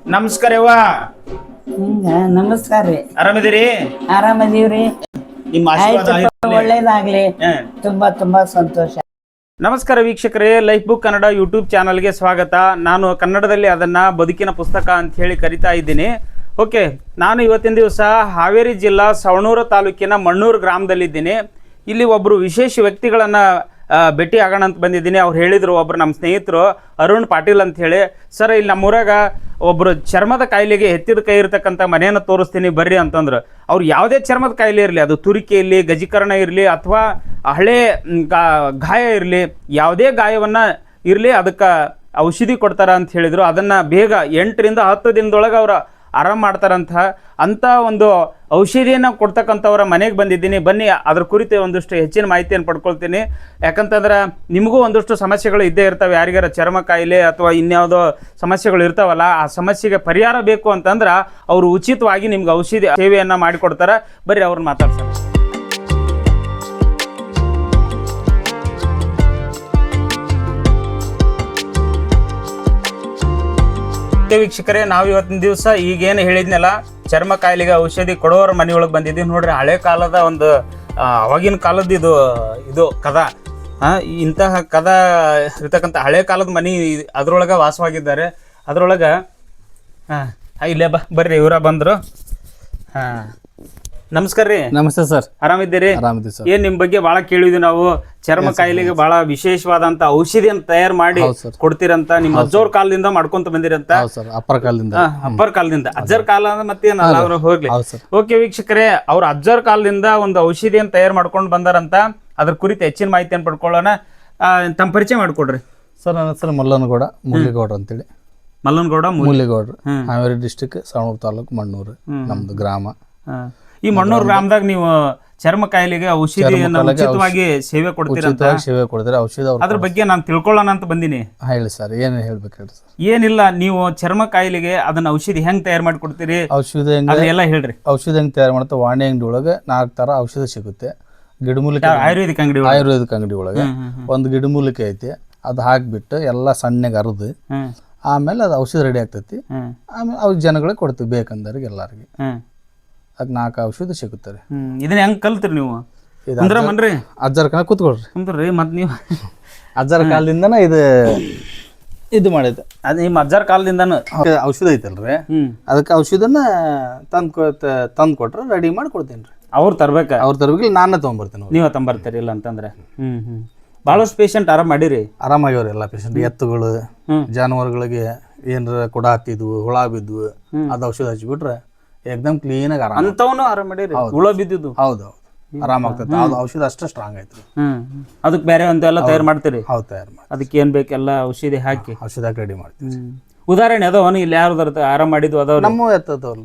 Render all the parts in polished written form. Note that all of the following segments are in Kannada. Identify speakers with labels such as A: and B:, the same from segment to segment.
A: ನಮಸ್ಕಾರವ್ವ.
B: ನಮಸ್ಕಾರ ರೀ.
A: ಆರಾಮಿದ್ದೀರಿ?
B: ಆರಾಮದೀವ್ರಿ.
A: ನಿಮ್ಮ ಆಶೀರ್ವಾದ
B: ಒಳ್ಳೇದಾಗ್ಲಿ. ತುಂಬಾ ತುಂಬಾ ಸಂತೋಷ.
A: ನಮಸ್ಕಾರ ವೀಕ್ಷಕರೇ, ಲೈಫ್ ಬುಕ್ ಕನ್ನಡ ಯೂಟ್ಯೂಬ್ ಚಾನಲ್ಗೆ ಸ್ವಾಗತ. ನಾನು ಕನ್ನಡದಲ್ಲಿ ಅದನ್ನ ಬದುಕಿನ ಪುಸ್ತಕ ಅಂತ ಹೇಳಿ ಕರಿತಾ ಇದ್ದೀನಿ. ಓಕೆ, ನಾನು ಇವತ್ತಿನ ದಿವಸ ಹಾವೇರಿ ಜಿಲ್ಲಾ ಸವಣೂರು ತಾಲೂಕಿನ ಮಣ್ಣೂರು ಗ್ರಾಮದಲ್ಲಿದ್ದೀನಿ. ಇಲ್ಲಿ ಒಬ್ಬರು ವಿಶೇಷ ವ್ಯಕ್ತಿಗಳನ್ನು ಭೇಟಿ ಆಗೋಣ ಅಂತ ಬಂದಿದ್ದೀನಿ. ಅವ್ರು ಹೇಳಿದರು, ಒಬ್ಬರು ನಮ್ಮ ಸ್ನೇಹಿತರು ಅರುಣ್ ಪಾಟೀಲ್ ಅಂತ ಹೇಳಿ. ಸರ್, ಇಲ್ಲಿ ನಮ್ಮೂರಾಗ ಒಬ್ಬರು ಚರ್ಮದ ಕಾಯಿಲೆಗೆ ಎತ್ತಿದ ಕೈ ಇರತಕ್ಕಂಥ ಮನೆಯನ್ನು ತೋರಿಸ್ತೀನಿ ಬರ್ರಿ ಅಂತಂದ್ರು. ಅವ್ರು ಯಾವುದೇ ಚರ್ಮದ ಕಾಯಿಲೆ ಇರಲಿ, ಅದು ತುರಿಕೆ ಇರಲಿ, ಗಜೀಕರಣ ಇರಲಿ, ಅಥವಾ ಹಳೆ ಗಾಯ ಇರಲಿ, ಯಾವುದೇ ಗಾಯವನ್ನು ಇರಲಿ ಅದಕ್ಕೆ ಔಷಧಿ ಕೊಡ್ತಾರ ಅಂತ ಹೇಳಿದರು. ಅದನ್ನು ಬೇಗ 8 ರಿಂದ 10 ದಿನದೊಳಗೆ ಅವರು ಆರಾಮ ಮಾಡ್ತಾರಂತ ಅಂಥ ಒಂದು ಔಷಧಿಯನ್ನು ಕೊಡ್ತಕ್ಕಂಥವ್ರ ಮನೆಗೆ ಬಂದಿದ್ದೀನಿ. ಬನ್ನಿ, ಅದ್ರ ಕುರಿತು ಒಂದಷ್ಟು ಹೆಚ್ಚಿನ ಮಾಹಿತಿಯನ್ನು ಪಡ್ಕೊಳ್ತೀನಿ. ಯಾಕಂತಂದ್ರೆ ನಿಮಗೂ ಒಂದಷ್ಟು ಸಮಸ್ಯೆಗಳು ಇದ್ದೇ ಇರ್ತವೆ. ಯಾರಿಗಾರ ಚರ್ಮ ಕಾಯಿಲೆ ಅಥವಾ ಇನ್ಯಾವುದೋ ಸಮಸ್ಯೆಗಳು ಇರ್ತಾವಲ್ಲ, ಆ ಸಮಸ್ಯೆಗೆ ಪರಿಹಾರ ಬೇಕು ಅಂತಂದ್ರೆ ಅವರು ಉಚಿತವಾಗಿ ನಿಮ್ಗೆ ಔಷಧಿ ಸೇವೆಯನ್ನು ಮಾಡಿಕೊಡ್ತಾರೆ. ಬರ್ರಿ ಅವ್ರನ್ನ ಮಾತಾಡ್ತಾರೆ. ವೀಕ್ಷಕರೇ, ನಾವು ಇವತ್ತಿನ ದಿವಸ ಈಗೇನು ಹೇಳಿದ್ನಲ್ಲ, ಚರ್ಮ ಕಾಯಿಲೆಗೆ ಔಷಧಿ ಕೊಡೋರ ಮನೆಯೊಳಗೆ ಬಂದಿದ್ದೀವಿ. ನೋಡ್ರಿ, ಹಳೆ ಕಾಲದ ಒಂದು ಅವಾಗಿನ ಕಾಲದ ಇದು ಕದ, ಇಂತಹ ಕದ ಇರ್ತಕ್ಕಂಥ ಹಳೆ ಕಾಲದ ಮನೆ ಅದ್ರೊಳಗೆ ವಾಸವಾಗಿದ್ದಾರೆ. ಅದ್ರೊಳಗೆ ಇಲ್ಲೇ ಬರ್ರಿ, ಇವರ ಬಂದರು. ನಮಸ್ಕಾರ ರೀ.
C: ನಮಸ್ತೆ ಸರ್.
A: ಆರಾಮಿದ್ದೀರಿ?
C: ಆರಾಮಿದ್ದೀವಿ ಸರ್.
A: ಏನ್ ನಿಮ್ ಬಗ್ಗೆ ಬಹಳ ಕೇಳಿದ್ವಿ ನಾವು. ಚರ್ಮ ಕಾಯಿಲೆಗೆ ಬಹಳ ವಿಶೇಷವಾದಂತ ಔಷಧಿಯನ್ನು ತಯಾರು ಮಾಡಿ ಕೊಡ್ತೀರಂತ. ನಿಮ್ಮ ಅಜ್ಜೋರ್ ಕಾಲದಿಂದ ಮಾಡ್ಕೊಂತ ಬಂದಿರಂತ.
C: ಅಪ್ಪರ
A: ಕಾಲದಿಂದ ಅಜ್ಜರ್ ಕಾಲ ಮತ್ತೇನಲ್ಲ ಅವ್ರು ಹೋಗ್ಲಿ. ಓಕೆ ವೀಕ್ಷಕರೇ, ಅವ್ರ ಅಜ್ಜರ್ ಕಾಲದಿಂದ ಒಂದು ಔಷಧಿಯನ್ನು ತಯಾರು ಮಾಡ್ಕೊಂಡು ಬಂದಾರಂತ. ಅದ್ರ ಕುರಿತು ಹೆಚ್ಚಿನ ಮಾಹಿತಿಯನ್ನು ಪಡ್ಕೊಳ್ಳೋಣ. ತಮ್ಮ ಪರಿಚಯ ಮಾಡ್ಕೊಡ್ರಿ
C: ಸರ್. ನನ್ನ ಹೆಸರು ಮಲ್ಲನಗೌಡ ಮುರಳಿಗೌಡ್ರು ಅಂತೇಳಿ.
A: ಮಲ್ಲನಗೌಡ
C: ಮುರಳಿಗೌಡ್ರು, ಹಾವೇರಿ ಡಿಸ್ಟಿಕ್, ಸವಣೂರು ತಾಲೂಕು, ಮಣ್ಣೂರು ನಮ್ದು ಗ್ರಾಮ.
A: ಈ ಮಣ್ಣೂರು ಗ್ರಾಮದಾಗ ನೀವು ಚರ್ಮ ಕಾಯಿಲೆಗೆ ಔಷಧಿಯನ್ನು ಉಚಿತವಾಗಿ ಸೇವೆ ಕೊಡ್ತೀರಂತ.
C: ಸೇವೆ ಕೊಡ್ತೀರಾ ಔಷಧ?
A: ಅದ್ರ ಬಗ್ಗೆ ನಾನು ತಿಳ್ಕೊಳ್ಳೋಣ ಅಂತ ಬಂದಿನಿ.
C: ಹೇಳಿ ಸರ್, ಏನು ಹೇಳ್ಬೇಕು ಹೇಳಿ ಸರ್.
A: ಏನಿಲ್ಲ, ನೀವು ಚರ್ಮ ಕಾಯಿಲೆಗೆ ಅದನ್ನ ಔಷಧಿ ಹೆಂಗ್ ತಯಾರು ಮಾಡಿ ಕೊಡ್ತೀರಿ?
C: ಔಷಧ
A: ಎಲ್ಲ ಹೇಳ್ರಿ.
C: ಔಷಧ ಹೆಂಗ್ ತಯಾರು ಮಾಡ್ತಾ, ವಾಣಿ ಅಂಗಡಿ ಒಳಗೆ 4 ತರ ಔಷಧ ಸಿಗುತ್ತೆ. ಗಿಡಮೂಲಿಕೆ
A: ಆಯುರ್ವೇದಿಕ್
C: ಅಂಗಡಿ ಒಳಗೆ ಒಂದು ಗಿಡಮೂಲಿಕೆ ಐತಿ. ಅದು ಹಾಕ್ಬಿಟ್ಟು ಎಲ್ಲ ಸಣ್ಣಗೆ ಅರ್ದು ಆಮೇಲೆ ಅದು ಔಷಧ ರೆಡಿ ಆಗ್ತೈತಿ. ಆಮೇಲೆ ಅವ್ ಜನಗಳಿಗೆ ಕೊಡ್ತೀವಿ, ಬೇಕಂದವ್ರಿಗೆ ಎಲ್ಲಾರಿಗೆ. ಅದ್ 4 ಔಷಧ ಸಿಗುತ್ತಾರೆ.
A: ಇದನ್ನ ಹೆಂಗ್ ಕಲ್ತ್ರಿ ನೀವು?
C: ಅಜ್ಜರ ಕಾಲ ಕೂತ್ಕೊಳ್ರಿ.
A: ಕುಂದ್ರಿ. ಮತ್ ನೀವು
C: ಅಜ್ಜರ ಕಾಲದಿಂದನ ಇದು ಮಾಡಿದ್ದೆ.
A: ಅದ್ ನಿಮ್ಮ ಅಜ್ಜರ ಕಾಲದಿಂದನು
C: ಔಷಧ ಐತಲ್ರಿ, ಅದಕ್ಕೆ ಔಷಧನ ತಂದ್ ಕೊಟ್ರೆ ರೆಡಿ ಮಾಡಿ ಕೊಡ್ತೀನಿ ರೀ.
A: ಅವ್ರು ತರ್ಬೇಕ?
C: ಅವ್ರು ತರ್ಬೇಕಿಲ್ಲ, ನಾನೇ ತೊಗೊಂಬರ್ತೀನಿ.
A: ನೀವ ತಂಬರ್ತೀರಿ? ಇಲ್ಲ ಅಂತಂದ್ರೆ ಬಹಳಷ್ಟು ಪೇಷಂಟ್ ಆರಾಮ್ ಮಾಡಿರಿ?
C: ಆರಾಮಾಗ್ಯವ್ರಿ ಎಲ್ಲ ಪೇಷಂಟ್. ಎತ್ತುಗಳು, ಜಾನುವಾರುಗಳಿಗೆ ಏನಾರ ಕೊಡ ಹತ್ತಿದ್ವು, ಹುಳ ಬಿದ್ವು, ಅದ್ ಔಷಧ ಹಚ್ಚಿಬಿಟ್ರೆ ಏಕದಮ್ ಕ್ಲೀನ್ ಆಗಿ ಆರಾಮ.
A: ಅಂತವನು ಆರಾಮ್ ಮಾಡಿರಿ? ಹುಳ ಬಿದ್ದಿದ್ದು?
C: ಹೌದು, ಆರಾಮ ಆಗ್ತೈತೆ. ಅದು ಔಷಧ ಅಷ್ಟೇ ಸ್ಟ್ರಾಂಗ್ ಐತ್ರಿ.
A: ಅದಕ್ಕೆ ಬೇರೆ ಎಲ್ಲ ತಯಾರು ಮಾಡ್ತೀರಿ?
C: ಹೌದು, ತಯಾರು ಮಾಡಿ.
A: ಅದಕ್ಕೆ ಏನ್ ಬೇಕೆಲ್ಲ ಔಷಧಿ ಹಾಕಿ
C: ರೆಡಿ ಮಾಡ್ತೀವಿ.
A: ಉದಾಹರಣೆ ಅದಾವನು ಇಲ್ಲಿ ಯಾರು ಆರಾಮ್ ಮಾಡಿದ್ವು? ಅದಾವ
C: ನಮ್ಮ ಎತ್ತದವಲ್ರಿ,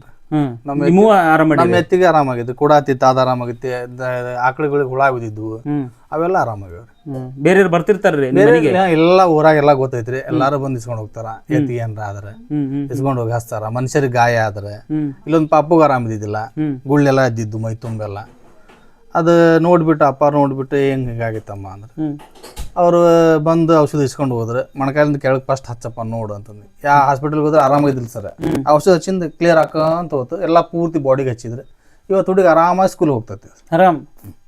A: ನಮ್ಮ
C: ಎತ್ತಿಗೆ ಆರಾಮಾಗಿದ್ದು, ಕೂಡ ಹತ್ತಿತ್ತು, ಅದು ಆರಾಮಾಗಿತ್ತು. ಆಕಳುಗಳಿಗೆ ಹುಳ ಬಿದ್ದಿದ್ವು, ಅವೆಲ್ಲ ಆರಾಮಾಗ್ಯವ್ರಿ.
A: ಬೇರೆ ಬರ್ತಿರ್ತಾರ್ರಿ
C: ಎಲ್ಲ ಊರಾಗ ಎಲ್ಲ ಗೊತ್ತೈತ್ರಿ. ಎಲ್ಲಾರು ಬಂದ್ ಇಸ್ಕೊಂಡ್ ಹೋಗ್ತಾರ. ಎತ್ತಿಗೆ ಏನ್ರ ಆದ್ರೆ ಇಸ್ಕೊಂಡ್ ಹೋಗಿ ಹಚ್ತಾರ. ಮನುಷ್ಯರಿಗೆ ಗಾಯ ಆದ್ರೆ, ಇಲ್ಲೊಂದು ಪಾಪುಗ ಆರಾಮಿದ್ದಿಲ್ಲ, ಗುಳ್ಳೆಲ್ಲ ಇದ್ದಿದ್ದು ಮೈ ತುಂಬೆಲ್ಲ. ಅದು ನೋಡ್ಬಿಟ್ಟು ಅಪ್ಪ ನೋಡ್ಬಿಟ್ಟು ಹಿಂಗಾಗಿತ್ತಮ್ಮ ಅಂದ್ರೆ ಅವ್ರು ಬಂದು ಔಷಧ ಇಸ್ಕೊಂಡು ಹೋದ್ರೆ, ಮೊಣಕಾಲಿಂದ ಕೆಳಗೆ ಫಸ್ಟ್ ಹಚ್ಚಪ್ಪ ನೋಡು ಅಂತಂದು. ಯಾವ ಹಾಸ್ಪಿಟಲ್ಗೆ ಹೋದ್ರೆ ಆರಾಮಾಗಿದ್ದಿಲ್ಲ ಸರ್. ಔಷಧ ಹಚ್ಚಿಂದ ಕ್ಲಿಯರ್ ಹಾಕಂತ ಹೋತು. ಎಲ್ಲ ಪೂರ್ತಿ ಬಾಡಿಗೆ ಹಚ್ಚಿದ್ರೆ ಇವತ್ತು ಹುಡುಗ ಆರಾಮಾಗಿ ಸ್ಕೂಲ್ ಹೋಗ್ತೈತಿ.
A: ಆರಾಮ್.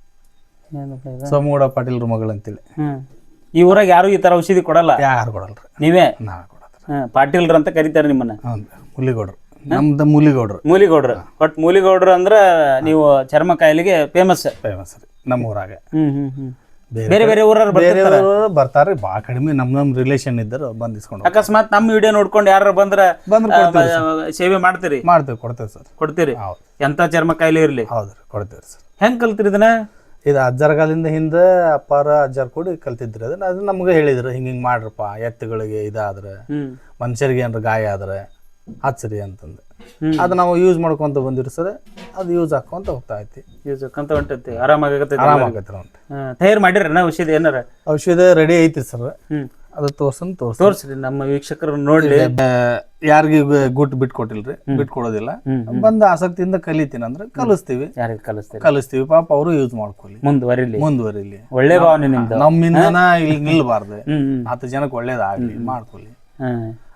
C: ಸೋಮಗೌಡ ಪಾಟೀಲ್ರ ಮಗಳು ಅಂತೇಳಿ.
A: ಈ ಊರಾಗ ಯಾರು ಈ ತರ ಔಷಧಿ ಕೊಡಲ್ಲ?
C: ಯಾರು ಕೊಡಲ್ರಿ,
A: ನೀವೇ?
C: ನಾವೇ ಕೊಡೋದು.
A: ಪಾಟೀಲ್ರ ಅಂತ ಕರೀತಾರೆ ನಿಮ್ಮನ್ನ?
C: ಮುಲಿಗೌಡ್ರು, ನಮ್ದು ಮೂಲಿಗೌಡ್ರು.
A: ಬಟ್ ಮೂಲಿಗೌಡ್ರು ಅಂದ್ರ ನೀವು ಚರ್ಮ ಕಾಯಿಲೆಗೆ ಫೇಮಸ್
C: ರೀ ನಮ್ಮ ಊರಾಗ.
A: ಬೇರೆ ಬೇರೆ ಊರವ್ರು
C: ಬರ್ತಾರ್ರಿ, ಭಾಳ ಕಡಿಮೆ. ನಮ್ ರಿಲೇಷನ್ ಇದ್ದರು ಬಂದ್ ಇಸ್ಕೊಂಡು.
A: ಅಕಸ್ಮಾತ್ ನಮ್ಮ ವಿಡಿಯೋ ನೋಡ್ಕೊಂಡು ಯಾರು ಬಂದ್ರೆ ಸೇವೆ ಮಾಡ್ತೀರಿ?
C: ಕೊಡ್ತೇವೆ ಸರ್.
A: ಕೊಡ್ತೀರಿ? ಎಂತ ಚರ್ಮ ಕಾಯಿಲೆ ಇರ್ಲಿ?
C: ಹೌದ್ರಿ, ಕೊಡ್ತೇವ್ರಿ ಸರ್.
A: ಹೆಂಗ್ ಕಲ್ತಿರಿ ಇದನ್ನ?
C: ಇದು ಅಜ್ಜರ ಕಾಲದಿಂದ ಹಿಂದೆ ಅಪ್ಪಾರ ಅಜ್ಜಾರ್ ಕೂಡಿ ಕಲ್ತಿದ್ರಿ. ಅದು ನಮ್ಗೆ ಹೇಳಿದ್ರು, ಹಿಂಗಿಂಗ್ ಮಾಡ್ರಪ್ಪ, ಎತ್ತುಗಳಿಗೆ ಇದಾದ್ರೆ, ಮನುಷ್ಯರಿಗೆ ಏನಾರ ಗಾಯ ಆದ್ರೆ ಹಚ್ಚ್ರಿ ಅಂತಂದು. ಅದು ನಾವು ಯೂಸ್ ಮಾಡ್ಕೊಂತ ಬಂದಿರಿ ಸರ್. ಅದು ಯೂಸ್ ಹಾಕೊಂತ ಹೋಗ್ತಾ ಐತಿ.
A: ಯೂಸ್ ಹಾಕೊಂತ ಹೊಂಟೈತಿ, ಆರಾಮಾಗತ್ತೆ. ತಯಾರು ಮಾಡಿರಿ ಔಷಧಿ? ಏನಾರ
C: ಔಷಧ ರೆಡಿ ಐತಿ ಸರ್. ಅದು
A: ತೋರ್ಸ್ರಿ ನಮ್ಮ ವೀಕ್ಷಕರು ನೋಡ್ಲಿ.
C: ಯಾರಿಗೆ ಗುಟ್ ಬಿಟ್ಕೊಟ್ಟಿಲ್ರಿ, ಬಿಟ್ಕೊಡೋದಿಲ್ಲ. ಬಂದ ಆಸಕ್ತಿಯಿಂದ ಕಲಿತೀನಿ ಅಂದ್ರೆ ಕಲಿಸ್ತೀವಿ. ಕಲಿಸ್ತೀವಿ, ಪಾಪ ಅವರು ಯೂಸ್ ಮಾಡ್ಕೊಳ್ಳಿ, ಮುಂದುವರಿಲಿ.
A: ಒಳ್ಳೆ ಭಾವನೆ ನಿಮ್ದು.
C: ನಮ್ಮಿಂದನ ಇಲ್ಲಿ ನಿಲ್ಬಾರ್ದು, 10 ಜನಕ್ಕೆ ಒಳ್ಳೇದಾಗ್ಲಿ ಮಾಡ್ಕೊಳ್ಳಿ.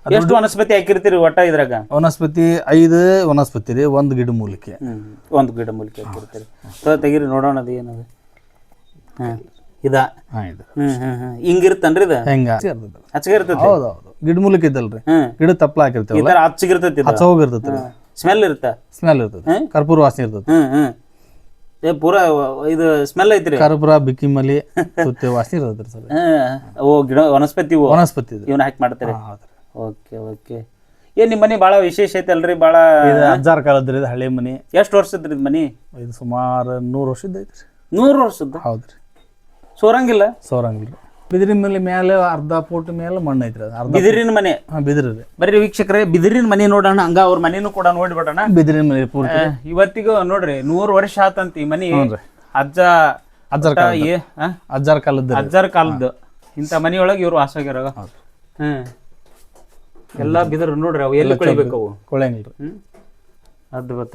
A: ಎಷ್ಟು ವನಸ್ಪತಿ ಹಾಕಿರ್ತೀರಿ ಒಟ್ಟ ಇದ್ರಾಗ?
C: ವನಸ್ಪತಿ 5 ವನಸ್ಪತಿ ರೀ, 1 ಗಿಡ ಮೂಲಿಕೆ.
A: ಒಂದು ಗಿಡ ಮೂಲಿಕೆ ಹಾಕಿರ್ತೀರಿ. ತೆಗೀರಿ ನೋಡೋಣ ಅದು ಏನದು. ಇದ
C: ಇದು
A: ಹಿಂಗಿರ್ತನ್ರಿ ಇದು?
C: ಹೆಂಗ
A: ಹಚ್ಚಗೆ ಇರ್ತೈತಿ?
C: ಹೌದೌದು, ಗಿಡ ಮೂಲಿಕೆ ಇದ್ದಲ್ರಿ, ಗಿಡ ತಪ್ಪಲ ಹಾಕಿರ್ತೀವಿ,
A: ಈ ತರ ಹಚ್ಚಗಿರ್ತೈತಿ,
C: ಹಚ್ಚೋಗಿರ್ತೈತಿ,
A: ಸ್ಮೆಲ್ ಇರುತ್ತ,
C: ಸ್ಮೆಲ್ ಇರ್ತೈತಿ, ಕರ್ಪೂರ ವಾಸನೆ ಇರ್ತೈತಿ.
A: ಪೂರಾ ಇದು ಸ್ಮೆಲ್ ಐತ್ರಿ?
C: ಕರ್ಪೂರ, ಬಿಕ್ಕಿಮಲಿ, ಸುತ್ತೆ ವಾಸನೆ ಇರ್ತೈತಿ ಸರ್.
A: ಓ ಗಿಡ ವನಸ್ಪತಿ
C: ವನಸ್ಪತಿ
A: ಇವನ್ನ ಹಾಕಿ ಮಾಡ್ತಾರೆ. Okay okay. ಏನ್ ನಿಮ್ಮ ಮನಿ ಭಾಳ ವಿಶೇಷ ಐತಲ್ರಿ? ಭಾಳ
C: ಅಜ್ಜಾರ ಕಾಲದ್ರಿ, ಇದು ಹಳೆ ಮನಿ.
A: ಎಷ್ಟು ವರ್ಷದ್ರಿ ಇದು ಮನಿ?
C: ಇದು ಸುಮಾರು 100 ವರ್ಷದ ಐತ್ರಿ.
A: 100 ವರ್ಷದ?
C: ಹೌದ್ರಿ.
A: ಸೋರಂಗಿಲ್ಲ?
C: ಸೋರಂಗಿಲ್ರಿ. ಬಿದಿರಿನ ಮೇಲೆ ಅರ್ಧ ಫೂಟ್ ಮೇಲೆ ಮಣ್ಣು ಐತ್ರಿ.
A: ಬಿದಿರಿನ ಮನೆ?
C: ಬಿದಿರಿ ರೀ.
A: ಬರ್ರಿ ವೀಕ್ಷಕರೇ, ಬಿದಿರಿನ ಮನೆ ನೋಡೋಣ, ಹಂಗ ಅವ್ರ ಮನೇನು ಕೂಡ ನೋಡ್ಬಿಡೋಣ.
C: ಬಿದಿರಿನ ಮನೆ ಪೂರ್ತಿ
A: ಇವತ್ತಿಗೂ ನೋಡ್ರಿ 100 ವರ್ಷ ಆತಂತ ಈ ಮನಿ. ಅಜ್ಜಾರ ಕಾಲದ್ದು ಇಂಥ ಮನಿಯೊಳಗೆ ಇವ್ರು ವಾಸಾಗ್ಯಾರ. ಎಲ್ಲಾ ಬಿದಿರು ನೋಡ್ರಿ, ಅವು ಎಲ್ಲಿ ಕೊಳಿಬೇಕು? ಅವು
C: ಕೊಳೆಂಗಿಲ್ರಿ.
A: ಅದ್ಭುತ.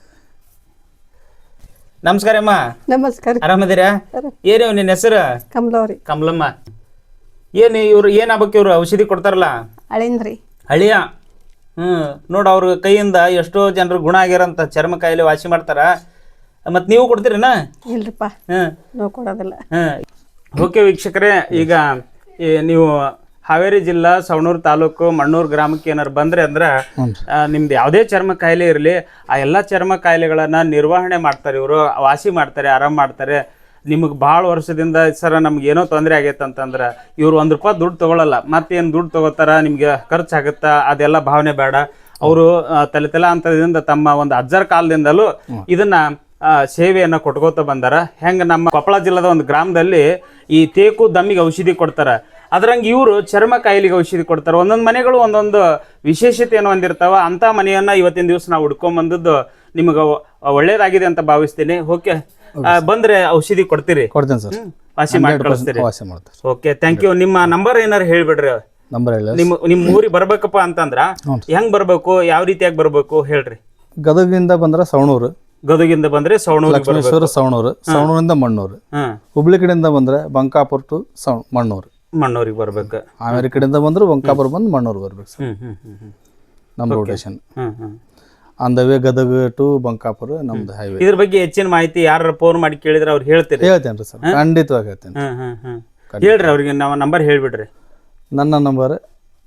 A: ನಮಸ್ಕಾರ ಅಮ್ಮ.
D: ನಮಸ್ಕಾರ.
A: ಆರಾಮದಿರಾ? ಏನೇವ್ ನಿನ್ನ ಹೆಸರು?
D: ಕಮಲವ್ರಿ.
A: ಕಮಲಮ್ಮ. ಏನ್ ಇವ್ರು ಏನ್ ಆಗ್ಬೇಕು? ಇವ್ರು ಔಷಧಿ ಕೊಡ್ತಾರಲ್ಲ
D: ಅಳಿಂದ್ರಿ.
A: ಹಳಿಯ. ನೋಡ ಅವ್ರ ಕೈಯಿಂದ ಎಷ್ಟೋ ಜನರು ಗುಣ ಆಗ್ಯಾರಂತ, ಚರ್ಮ ಕಾಯಿಲೆ ವಾಸಿ ಮಾಡ್ತಾರ. ಮತ್ ನೀವು ಕೊಡ್ತೀರನ?
D: ಇಲ್ರಿಪ್ಪ, ನಾವು ಕೊಡೋದಿಲ್ಲ.
A: ಓಕೆ ವೀಕ್ಷಕರೇ, ಈಗ ನೀವು ಹಾವೇರಿ ಜಿಲ್ಲಾ ಸವಣೂರು ತಾಲೂಕು ಮಣ್ಣೂರು ಗ್ರಾಮಕ್ಕೆ ಏನಾರು ಬಂದ್ರೆ ಅಂದ್ರೆ ನಿಮ್ದು ಯಾವುದೇ ಚರ್ಮ ಕಾಯಿಲೆ ಇರಲಿ, ಆ ಎಲ್ಲ ಚರ್ಮ ಕಾಯಿಲೆಗಳನ್ನ ನಿರ್ವಹಣೆ ಮಾಡ್ತಾರೆ ಇವರು, ವಾಸಿ ಮಾಡ್ತಾರೆ, ಆರಾಮ್ ಮಾಡ್ತಾರೆ. ನಿಮಗೆ ಭಾಳ ವರ್ಷದಿಂದ ಸರ ನಮ್ಗೆ ಏನೋ ತೊಂದರೆ ಆಗೈತೆ ಅಂತಂದ್ರೆ ಇವ್ರು ₹1 ದುಡ್ಡು ತೊಗೊಳಲ್ಲ. ಮತ್ತೇನು ದುಡ್ಡು ತೊಗೋತಾರ, ನಿಮ್ಗೆ ಖರ್ಚಾಗುತ್ತಾ, ಅದೆಲ್ಲ ಭಾವನೆ ಬೇಡ. ಅವರು ತಲೆತಲಾಂತರದಿಂದ ತಮ್ಮ ಒಂದು ಅಜ್ಜರ ಕಾಲದಿಂದಲೂ ಇದನ್ನ ಸೇವೆಯನ್ನು ಕೊಟ್ಕೋತ ಬಂದಾರ. ಹೆಂಗೆ ನಮ್ಮ ಕೊಪ್ಪಳ ಜಿಲ್ಲಾದ ಒಂದು ಗ್ರಾಮದಲ್ಲಿ ಈ ತೇಕು ದಮ್ಮಿಗೆ ಔಷಧಿ ಕೊಡ್ತಾರ, ಅದ್ರಂಗೆ ಇವರು ಚರ್ಮ ಕಾಯಿಲೆಗೆ ಔಷಧಿ ಕೊಡ್ತಾರೆ. ಒಂದೊಂದು ಮನೆಗಳು ಒಂದೊಂದು ವಿಶೇಷತೆಯನ್ನು ಹೊಂದಿರ್ತಾವ. ಅಂಥ ಮನೆಯನ್ನ ಇವತ್ತಿನ ದಿವಸ ನಾವು ಹುಡ್ಕೊಂಬಂದದ್ದು ನಿಮಗೆ ಒಳ್ಳೇದಾಗಿದೆ ಅಂತ ಭಾವಿಸ್ತೀನಿ. ಓಕೆ, ಬಂದ್ರೆ ಔಷಧಿ ಕೊಡ್ತೀರಿ?
C: ಕೊಡ್ತೇನೆ ಸರ್,
A: ವಾಸಿ ಮಾಡಿ ಕಳಿಸ್ತೀರಿ?
C: ವಾಸಿ ಮಾಡ್ತಾರೆ.
A: Okay, thank you. ನಿಮ್ಮ ನಂಬರ್ ಏನಾರು ಹೇಳ್ಬಿಡ್ರಿ.
C: ನಂಬರ್ ಹೇಳಿ.
A: ನಿಮ್ಮ ಊರಿಗೆ ಬರ್ಬೇಕಪ್ಪ ಅಂತಂದ್ರ ಹೆಂಗ್ ಬರ್ಬೇಕು, ಯಾವ ರೀತಿಯಾಗಿ ಬರ್ಬೇಕು ಹೇಳ್ರಿ?
C: ಗದಗಿಂದ ಬಂದ್ರೆ ಸವಣೂರು,
A: ಗದಗಿಂದ ಬಂದ್ರೆ ಸವಣೂರು,
C: ಲಕ್ಷ್ಮೇಶ್ವರ ಸವಣೂರು, ಸವಣೂರಿಂದ ಮಣ್ಣೂರು. ಹುಬ್ಳಿ ಕಡೆಯಿಂದ ಬಂದ್ರೆ ಬಂಕಾಪುರ ಟು ಮಣ್ಣೂರು,
A: ಮಣ್ಣೂರಿಗೆ ಬರ್ಬೇಕು.
C: ಹಾವೇರಿ ಕಡೆಯಿಂದ ಬಂದ್ರೆ ಬಂಕಾಪುರ ಬಂದು ಮಣ್ಣೂರು ಬರ್ಬೇಕು ಸರ್. ನಮ್ಮ rotation on the way Gadag to Bankapur ನಮ್ದು ಹೈವೇ.
A: ಇದ್ರ ಬಗ್ಗೆ ಹೆಚ್ಚಿನ ಮಾಹಿತಿ ಯಾರು ಫೋನ್ ಮಾಡಿ ಕೇಳಿದ್ರೆ ಅವ್ರು ಹೇಳ್ತೀರಿ?
C: ಹೇಳ್ತೇನೆ ಸರ್, ಖಂಡಿತವಾಗಿ ಹೇಳ್ತೇನೆ.
A: ಹೇಳ್ರಿ ಅವ್ರಿಗೆ, ನಾವು ನಂಬರ್ ಹೇಳ್ಬಿಡ್ರಿ.
C: ನನ್ನ ನಂಬರ್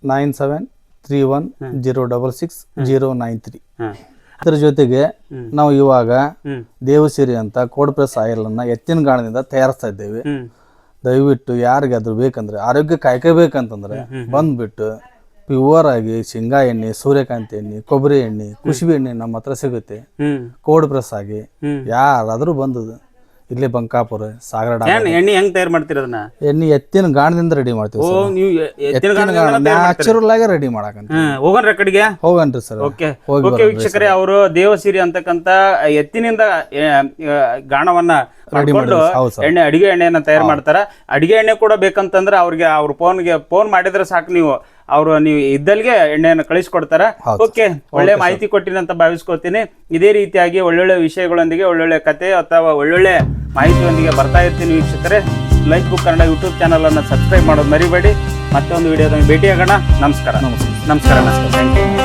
C: 9731066093. ಅದ್ರ ಜೊತೆಗೆ ನಾವು ಇವಾಗ ದೇವಸಿರಿ ಅಂತ ಕೋಡ್ ಪ್ರೆಸ್ ಆಯಿಲ್ ಅನ್ನ ಎತ್ತಿನ ಗಾಣದಿಂದ ತಯಾರಿಸ್ತಾ ಇದ್ದೇವೆ. ದಯವಿಟ್ಟು ಯಾರಿಗಾದ್ರೂ ಬೇಕಂದ್ರೆ, ಆರೋಗ್ಯ ಕಾಯ್ಕೋಬೇಕಂತಂದ್ರೆ ಬಂದ್ಬಿಟ್ಟು ಪ್ಯೂರ್ ಆಗಿ ಶೇಂಗಾ ಎಣ್ಣೆ, ಸೂರ್ಯಕಾಂತಿ ಎಣ್ಣೆ, ಕೊಬ್ಬರಿ ಎಣ್ಣೆ, ಕುಸುಬೆ ಎಣ್ಣೆ ನಮ್ಮ ಹತ್ರ ಸಿಗುತ್ತೆ. ಕೋಡ್ ಪ್ರೆಸ್ ಆಗಿ ಯಾರಾದ್ರೂ ಬಂದದು ಇಲ್ಲೇ ಬಂಕಾಪುರ ಸಾಗರ
A: ಎಣ್ಣೆ ಹೆಂಗ್ ತಯಾರು ಮಾಡ್ತೀರ ಅದನ್ನ?
C: ಎಣ್ಣೆ ಎತ್ತಿನ ಗಾಣದಿಂದ ರೆಡಿ ಮಾಡ್ತೀವಿ. ನ್ಯಾಚುರಲ್ ಆಗಿ ರೆಡಿ ಮಾಡಕಂತ
A: ಹೋಗನ್ರಿ ಕಡೆಗೆ
C: ಹೋಗನ್ರಿ ಸರ್.
A: ಓಕೆ ಓಕೆ ವೀಕ್ಷಕರೇ, ಅವರು ದೇವಸಿರಿ ಅಂತಕ್ಕಂತ ಎತ್ತಿನಿಂದ ಗಾಣವನ್ನ ಮಾಡ್ಕೊಂಡು ಎಣ್ಣೆ, ಅಡಿಗೆ ಎಣ್ಣೆಯನ್ನ ತಯಾರು ಮಾಡ್ತಾರ. ಅಡಿಗೆ ಎಣ್ಣೆ ಕೂಡ ಬೇಕಂತಂದ್ರೆ ಅವ್ರಿಗೆ ಅವ್ರ ಫೋನ್ ಮಾಡಿದ್ರೆ ಸಾಕು, ನೀವು ನೀವು ಇದ್ದಲ್ಗೆ ಎಣ್ಣೆಯನ್ನು ಕಳಿಸ್ಕೊಡ್ತಾರ. ಓಕೆ, ಒಳ್ಳೆ ಮಾಹಿತಿ ಕೊಟ್ಟಿನಿ ಅಂತ ಭಾವಿಸ್ಕೊತೀನಿ. ಇದೇ ರೀತಿಯಾಗಿ ಒಳ್ಳೊಳ್ಳೆ ವಿಷಯಗಳೊಂದಿಗೆ, ಒಳ್ಳೊಳ್ಳೆ ಕತೆ ಅಥವಾ ಒಳ್ಳೊಳ್ಳೆ ಮಾಹಿತಿಯೊಂದಿಗೆ ಬರ್ತಾ ಇರ್ತೀನಿ ವೀಕ್ಷಕರೇ. Life book Kannada YouTube channel ಅನ್ನು ಸಬ್ಸ್ಕ್ರೈಬ್ ಮಾಡೋದು ಮರಿಬೇಡಿ. ಮತ್ತೆ ಒಂದು ವಿಡಿಯೋದಲ್ಲಿ ಭೇಟಿಯಾಗೋಣ. ನಮಸ್ಕಾರ. Thank you.